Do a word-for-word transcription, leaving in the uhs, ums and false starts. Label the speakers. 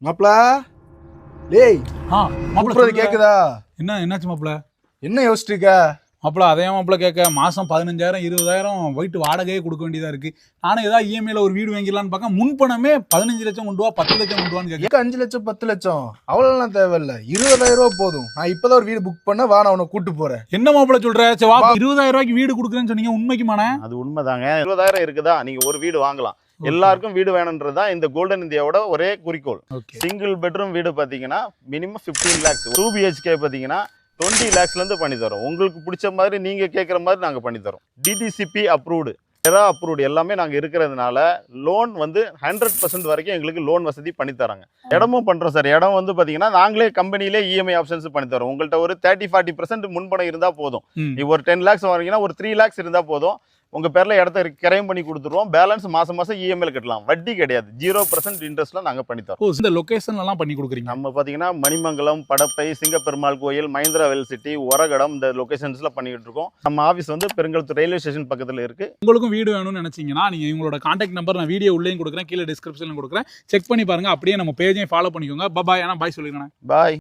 Speaker 1: மாப்ள டேய்
Speaker 2: ஆ மாப்பிள
Speaker 1: கூப்பிடுறது கேக்குதா?
Speaker 2: என்ன என்னாச்சு மாப்பிள?
Speaker 1: என்ன யோசிச்சுட்டு இருக்க?
Speaker 2: மாப்பிள அதே மாப்பிள கேட்க மாசம் பதினஞ்சாயிரம் இருபதாயிரம் வீட்டு வாடகையே கொடுக்க வேண்டியதா இருக்கு. நானும் ஏதாவது இஎம்ஐல ஒரு வீடு வாங்கிடலான்னு பார்க்க முன்பணமே பதினஞ்சு லட்சம் கொண்டு வா பத்து லட்சம் கொண்டு வான்னு கேட்க.
Speaker 1: எங்க அஞ்சு லட்சம் பத்து லட்சம் அவ்வளவுலாம் தேவையில்ல, இருபதாயிரம் ரூபாய் போதும். நான் இப்பதான் ஒரு வீடு புக் பண்ண, வா நான் உன்னை கூட்டு போறேன்.
Speaker 2: என்ன மாப்பிள சொல்ற? சரி வா, இருபதாயிரம் ரூபாய்க்கு வீடு கொடுக்குறேன்னு சொன்னீங்க, உண்மைக்குமானே?
Speaker 3: அது உண்மைதாங்க. இருபதாயிரம் இருக்குதா, நீங்க ஒரு வீடு வாங்கலாம். எல்லாருக்கும் வீடு வேணும்ன்றதுதான் இந்த கோல்டன் இந்தியாவோட ஒரே குறிக்கோள். சிங்கிள் பெட்ரூம் வீடு பாத்தீங்கன்னா minimum fifteen lakhs, two BHK பாத்தீங்கன்னா டுவெண்ட்டி லேக்ஸ்ல இருந்து பண்ணி தரோம். உங்களுக்கு பிடிச்ச மாதிரி நீங்க கேட்குற மாதிரி நாங்க பண்ணி தரோம். டிடிசிபி அப்ரூவ்டு, எரா அப்ரூவ்டு எல்லாமே நாங்க இருக்கிறதுனால லோன் வந்து ஹண்ட்ரட் பர்சன்ட் வரைக்கும் எங்களுக்கு லோன் வசதி பண்ணி தராங்க. இடமும் பண்றோம் சார். இடம் வந்து பாத்தீங்கன்னா நாங்களே கம்பெனிலே இஎம்ஐ ஆப்ஷன்ஸ் பண்ணி தரோம். உங்கள்கிட்ட ஒரு தேர்ட்டி ஃபார்ட்டி பர்சன்ட் முன்பணம் இருந்தா போதும். நீ ஒரு டென் லேக்ஸ் வாங்கினா ஒரு த்ரீ லேக்ஸ் இருந்தா போதும், உங்க பேர்ல இடத்த கிரைம் பண்ணி கொடுத்துருவோம். பேலன்ஸ் மாசம் மாசம் இஎம்ஐல கட்டலாம். வட்டி கிடையாது, ஜீரோ பர்சன்ட் இன்ட்ரெஸ்ட்ல நாங்க பண்ணி தரோம்.
Speaker 2: இந்த லொகேஷன்ல எல்லாம் பண்ணி கொடுக்குறீங்க?
Speaker 3: நம்ம பாத்தீங்கன்னா மணிமங்கலம், படப்பை, சிங்கப்பெருமாள் கோயில், மஹிந்திரா வெல் சிட்டி, ஒரகடம், இந்த லொகேஷன்ஸ்ல பண்ணிட்டு இருக்கோம். நம்ம ஆபீஸ் வந்து பெருங்கலத்தூர் ரயில்வே ஸ்டேஷன் பக்கத்துல இருக்கு.
Speaker 2: உங்களுக்கும் வீடு வேணும்னு நினைச்சீங்கன்னா நீங்க இவங்களோட கான்டாக்ட் நம்பர் நான் வீடியோ உள்ளேயும் கொடுக்குறேன், கீழே டிஸ்கிரிப்ஷன்ல கொடுக்குறேன். செக் பண்ணி பாருங்க. அப்படியே நம்ம பேஜையும் ஃபாலோ பண்ணிக்கோங்க. பாய். ஆனா பாய் சொல்லிடுறேன்.
Speaker 3: பாய்.